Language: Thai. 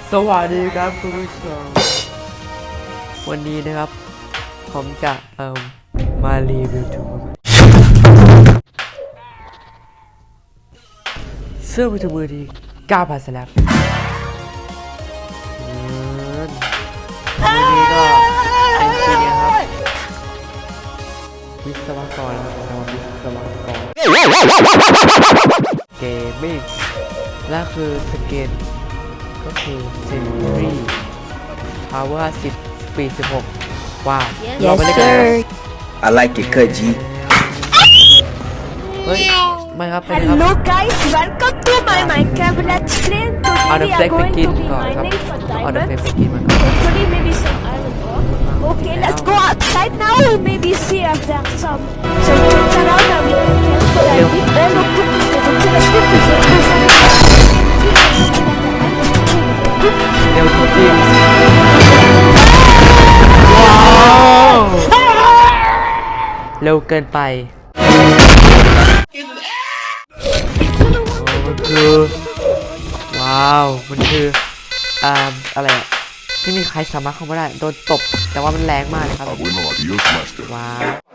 สวัสดีครับคุณผู้ชมวันนี้นะครับผมจะมารีวิวถุงมือเสื้อมือถือมือที่9,000 สแลบวันนี้ก็เอ็นจิเนียร์ครับวิศวกรนะครับวิศวกรเกมมิ่งและคือสเกนก็คือเซนตุรี่ Power 10 Speed 16ว้าวเราไปเล่นกันเลย I like it cut G เฮ้ยไม่ครับ Hello guys, welcome to my Minecraft Let's Play. เอา Today เด we อะ are เฟกไป going กิน to be ก่อนครับ mining for เอาเดอะเฟก diamonds. ไปกินมันก่อน Hopefully maybe some iron ore. Okay, let's go outside now and maybe see if there's some things around that we can kill. But I need all of them. Let's go to the เร็วจริงว้าวเร็วเกินไปมันคือว้าวมันคืออะไรอะที่มีใครสามารถเข้ามาได้โดนตบแต่ว่ามันแรงมากเลยครับ Abuelo, adiós, master. ว้าว